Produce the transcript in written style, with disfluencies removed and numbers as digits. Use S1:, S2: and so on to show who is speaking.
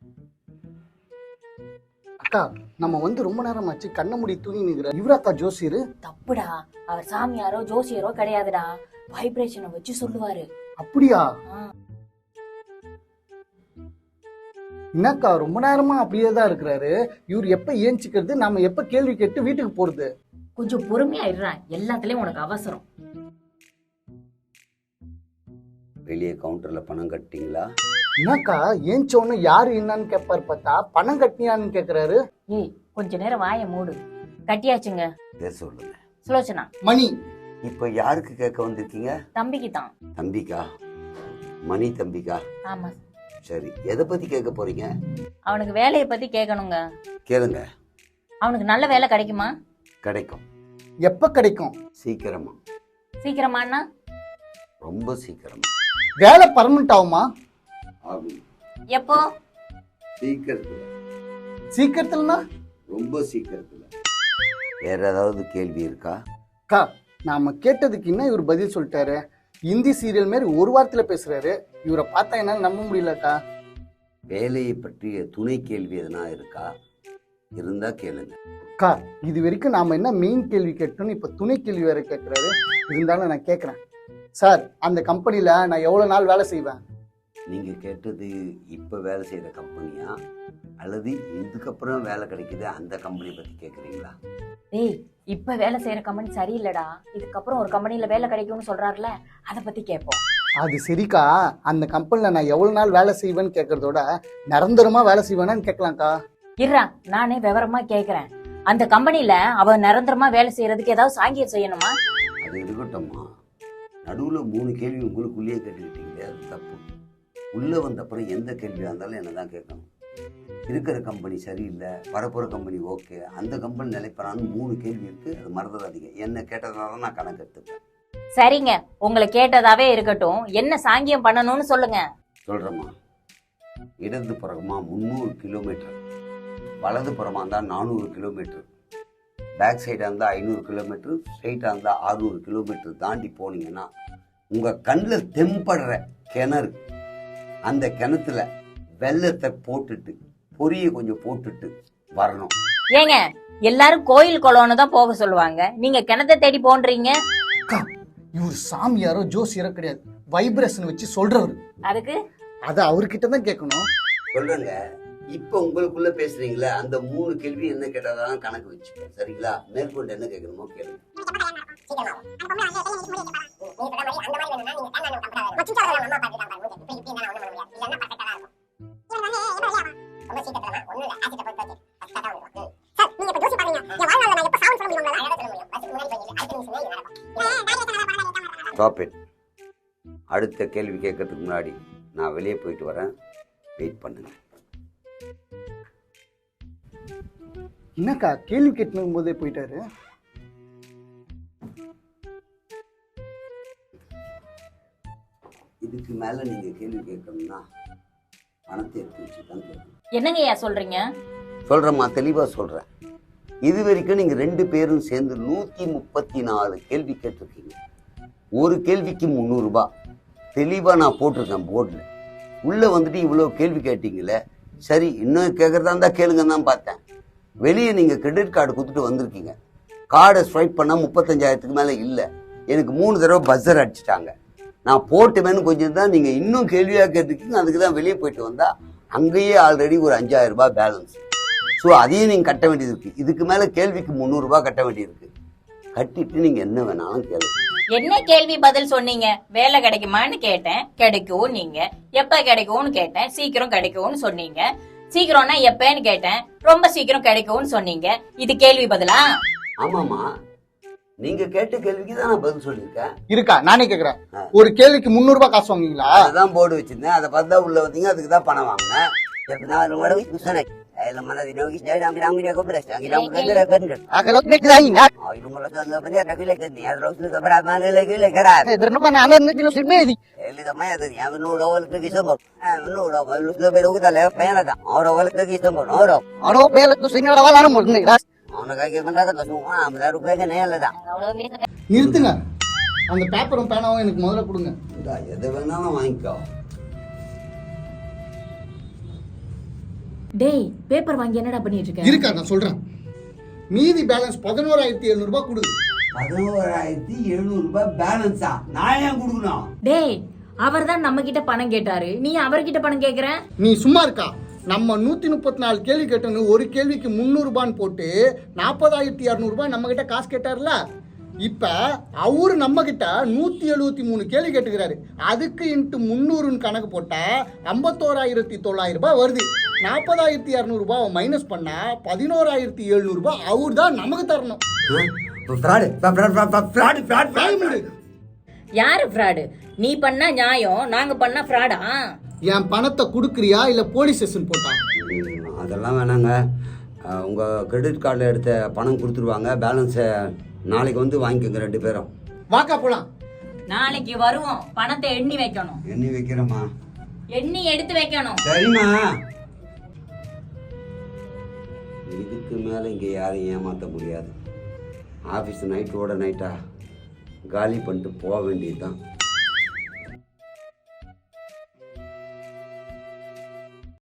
S1: அக்கா, நம்ம ரொம்ப நேரமாச்சு கண்ண மூடி தூங்கி நிக்கிற இவராத்தா ஜோசியரு?
S2: தப்புடா, அவர் சாமியாரோ ஜோசியரோ கிடையாதுடா. வைப்ரேஷனை வச்சு சொல்லுவாரு.
S1: அப்படியா? என்னக்கா ரொம்ப நேரமா அப்படியே தான் இருக்கிறாரு. இவர் எப்ப ஏஞ்சிக்கிறது, நாம எப்ப கேள்வி கேட்டு வீட்டுக்கு போறது?
S2: கொஞ்சம் பொறுமையா இருறான், எல்லாத்துலயும் உனக்கு அவசரம்.
S3: வெளியே கவுண்டர்ல பணம் கட்டிங்களா?
S1: என்னக்கா ஏஞ்சோன்னு யாரு என்னன்னு கேட்பாரு, பார்த்தா பணம் கட்டினியான்னு கேக்குறாரு.
S2: ஏய், கொஞ்ச நேரம் வாய மூடு. கட்டியாச்சுங்க.
S3: பேர் சொல்லுங்க.
S2: சுலோச்சனா.
S1: மணி.
S3: இப்ப யாருக்கு கேட்க வந்திருக்கீங்க?
S2: தம்பிக்கு தான்.
S3: தம்பிக்கா? மணி தம்பிக்கா?
S2: ஆமா.
S3: சரி, எதை பத்தி கேட்க போறீங்க?
S2: அவனுக்கு வேலையை பத்தி கேட்கணுங்க.
S3: கேளுங்க.
S2: அவனுக்கு நல்ல வேலை கிடைக்குமா?
S3: கிடைக்கும்.
S1: எப்ப கிடைக்கும்?
S3: சீக்கிரமா.
S2: சீக்கிரமானா?
S3: ரொம்ப சீக்கிரமா.
S1: வேலை பர்மனன்ட் ஆகுமா?
S3: ஆகும்.
S2: எப்போ?
S3: சீக்கிரத்துல.
S1: சீக்கிரத்துலனா?
S3: ரொம்ப சீக்கிரத்துல. வேற ஏதாவது கேள்வி இருக்கா?
S1: அக்கா, நாம கேட்டதுக்கு என்ன இவர் பதில் சொல்லிட்டாரு. ஹிந்தி சீரியல் மாதிரி ஒரு வாரத்துல பேசுறாரு. இவரை பார்த்தா என்னால நம்ப முடியலக்கா.
S3: வேலையை பற்றிய துணை கேள்வி எதனா இருக்கா? இருந்தா கேளுங்க.
S1: அக்கா, இது வரைக்கும் நாம என்ன மெயின் கேள்வி கேட்டோம்னு இப்ப துணை கேள்வி வேற கேட்கிறாரு. இருந்தாலும் நான் கேட்கிறேன் சார், அந்த கம்பெனில நான் எவ்வளவு நாள் வேலை செய்வேன்?
S3: நீங்க கேட்டது இப்ப வேலை செய்யற கம்பெனியா அல்லது இதுக்கப்புறம் வேலை கிடைக்குது அந்த கம்பெனி பத்தி கேக்குறீங்களா?
S2: ஏய், இப்ப வேலை செய்யற கம்பெனி சரியில்லடா. இதுக்கப்புறம் ஒரு கம்பெனில வேலை கிடைக்கும்னு சொல்றாருல, அத பத்தி கேட்போம்.
S1: அது சரிக்கா, அந்த கம்பெனில நான் எவ்வளவு நாள் வேலை செய்வேன்னு கேட்கறதோட நிரந்தரமா வேலை செய்வேனான்னு கேட்கலாம்க்கா.
S2: இருடா, நானே விவரமா கேக்குறேன். அந்த கம்பெனில அவ நிரந்தரமா வேலை செய்யறதுக்கு ஏதாவது சாங்கியம் செய்யணுமா?
S3: அது இருக்கட்டும்மா. நடுவுல 3 கேள்வி உங்களுக்குள்ளேயே கேட்டுக்கிட்டீங்க, அது தப்பு. உள்ள வந்த அப்புறம் எந்த கேள்வியா இருந்தாலும் என்னதான் கேட்கணும். இருக்கிற கம்பெனி சரியில்லை, வரப்போற கம்பெனி ஓகே, அந்த கம்பெனி நிலைப்பறான்னு 3 கேள்வி இருக்கு. அது மறந்துடாதீங்க. என்ன கேட்டதுனால நான் கணக்கு எடுத்துப்பேன்.
S2: சரிங்க, உங்களை கேட்டதாவே இருக்கட்டும். என்ன சாங்கியம் பண்ணணும்னு சொல்லுங்க.
S3: சொல்றேம்மா. இடது புறமா 300 கிலோமீட்டர், வலது புறமா இருந்தா 400 கிலோமீட்டர், பேக் சைடா இருந்தா 500 கிலோமீட்டர், ஸ்ட்ரைட்டா இருந்தா 600 கிலோமீட்டர் தாண்டி போனீங்கன்னா உங்க கண்ணில் தெம்படுற கிணறு, அந்த கிணத்துல வெள்ளத்தை போட்டுட்டு பொரிய கொஞ்சம் போட்டுட்டு வரணும்.
S2: ஏங்க, எல்லாரும் கோயில் குளம்னு தான் போக சொல்லுவாங்க, நீங்க கிணத்தை தேடி போன்றீங்க.
S1: அக்கா, இவர் சாமியாரோ ஜோசியாரோ கிடையாது, வைப்ரேஷன் வச்சு சொல்றவரு.
S2: அதுக்கு
S1: அத அவர்கிட்ட தான் கேட்கணும்.
S3: சொல்றேங்க. இப்ப உங்களுக்குள்ள பேசுறீங்களா, அந்த 3 கேள்வி என்ன கேட்டாதான் கணக்கு வச்சுப்பேன். சரிங்களா? மேற்கொண்டு என்ன கேட்கணுமோ கேளுங்க. Stop it. அடுத்த கேள்வி கேட்கறதுக்கு முன்னாடி நான் வெளியே போயிட்டு வரேன், வெயிட் பண்ணுங்க.
S1: என்னக்கா கேள்வி கேட்கும் போதே போயிட்டாரு?
S3: இதுக்கு மேல நீங்க கேள்வி கேட்கணும்னா பணத்தை எடுத்து வச்சு தான் கேட்கணும்.
S2: என்னங்கய்யா சொல்றீங்க?
S3: சொல்றேம்மா, தெளிவா சொல்றேன். இது வரைக்கும் நீங்க 2 பேரும் சேர்ந்து 134 கேள்வி கேட்டிருக்கீங்க. ஒரு கேள்விக்கு 300 ரூபாய் தெளிவா நான் போட்டிருக்கேன் போர்டில். உள்ள வந்துட்டு இவ்வளவு கேள்வி கேட்டீங்களே, சரி இன்னும் கேட்கறதா இருந்தா கேளுங்க தான் பார்த்தேன். வெளியே நீங்க கிரெடிட் கார்டு கொடுத்துட்டு வந்திருக்கீங்க. கார்டை ஸ்வைப் பண்ணா 35,000க்கு மேல இல்லை. எனக்கு 3 தடவை பஸ்ஸர் அடிச்சுட்டாங்க. நான் போட்டுமேனு கொஞ்சம் தான் நீங்க இன்னும் கேள்வியா கேட்டிருக்கீங்க. அதுக்கு தான் வெளியே போயிட்டு வந்தா அங்கேயே ஆல்ரெடி ஒரு 5,000 ரூபாய் பேலன்ஸ். ஸோ அதையும் நீங்க கட்ட வேண்டியது இருக்கு. இதுக்கு மேல கேள்விக்கு 300 ரூபாய் கட்ட வேண்டியது இருக்கு. கட்டிட்டு நீங்க என்ன வேணாலும் கேளுங்க.
S2: என்ன கேள்வி பதில் சொன்னீங்க? வேலை கிடைக்குமான்னு கேட்டேன், கிடைக்கும் நீங்க. எப்ப கிடைக்கும்னு கேட்டேன், சீக்கிரம் கிடைக்கும்னு சொன்னீங்க. சீக்கிரம்னா எப்பன்னு கேட்டேன், ரொம்ப சீக்கிரம் கிடைக்கும்னு சொன்னீங்க. இது கேள்வி பதிலா?
S3: ஆமாமா, நீங்க கேட்ட கேள்விக்கு தான் நான் பதில் சொல்லியிருக்கேன்.
S1: இருக்கா? நானே கேக்குறேன். ஒரு கேள்விக்கு 300 ரூபாய் காசு வாங்குவீங்களா?
S3: அதுதான் போர்டு வச்சிருந்தேன். அதை பார்த்தா உள்ள வந்தீங்க, அதுக்கு தான் பணம் வாங்கினேன்.
S1: நிறுத்துங்க. அந்த பேப்பரும் பேனாவும் எனக்கு முதல்ல கொடுங்க.
S3: எதை வேணாலும் வாங்கிக்கோ.
S2: டேய் பேப்பர் வாங்கி என்னடா பண்ணிட்டு இருக்க?
S1: இருக்கா நான் சொல்றேன். மீதி பேலன்ஸ் 11,700 ரூபாய் கொடு.
S3: 11,700 ரூபாய் பேலன்ஸா? நான் ஏன் கொடுக்கணும்?
S2: டேய் அவர்தான் நம்ம கிட்ட பணம் கேட்டாரு, நீ அவர்கிட்ட பணம் கேக்குற?
S1: நீ சும்மா இருக்கா? நம்ம 134 கேள்வி கேட்டோன்னு ஒரு கேள்விக்கு 300 ரூபான்னு போட்டு 40,200 ரூபாய் நம்ம கிட்ட காசு கேட்டார்ல. இப்ப அவரு நம்ம கிட்ட 173 கேள்வி கேட்டுக்கிறாரு. அதுக்கு இன்ட்டு 300 கணக்கு போட்டா 51,900 ரூபாய் வருது. 40,200 ரூபாய் மைனஸ் பண்ணா 11,700 ரூபாய் அவர் தான் நமக்கு தரணும்.
S2: யாரு ஃப்ராடு? நீ பண்ணா நியாயம், நாங்க பண்ணா ஃப்ராடா?
S1: என் பணத்தை கொடுக்குறியா இல்ல போலீஸ் ஸ்டேஷன் போட்டா?
S3: அதெல்லாம் வேணாங்க. உங்கள் கிரெடிட் கார்டில் எடுத்த பணம் கொடுத்துருவாங்க. பேலன்ஸை நாளைக்கு வந்து வாங்கிக்கோங்க 2 பேரும்.
S1: வாக்கா போலாம்.
S2: நாளைக்கு வருவோம், பணத்தை எண்ணி வைக்கணும்.
S3: எண்ணி வைக்கிறேம்மா.
S2: எண்ணி எடுத்து வைக்கணும்.
S3: சரிம்மா. இதுக்கு மேலே இங்கே யாரையும் ஏமாற்ற முடியாது. ஆஃபீஸ் நைட்டோட நைட்டா காலி பண்ணிட்டு போக வேண்டியது தான்.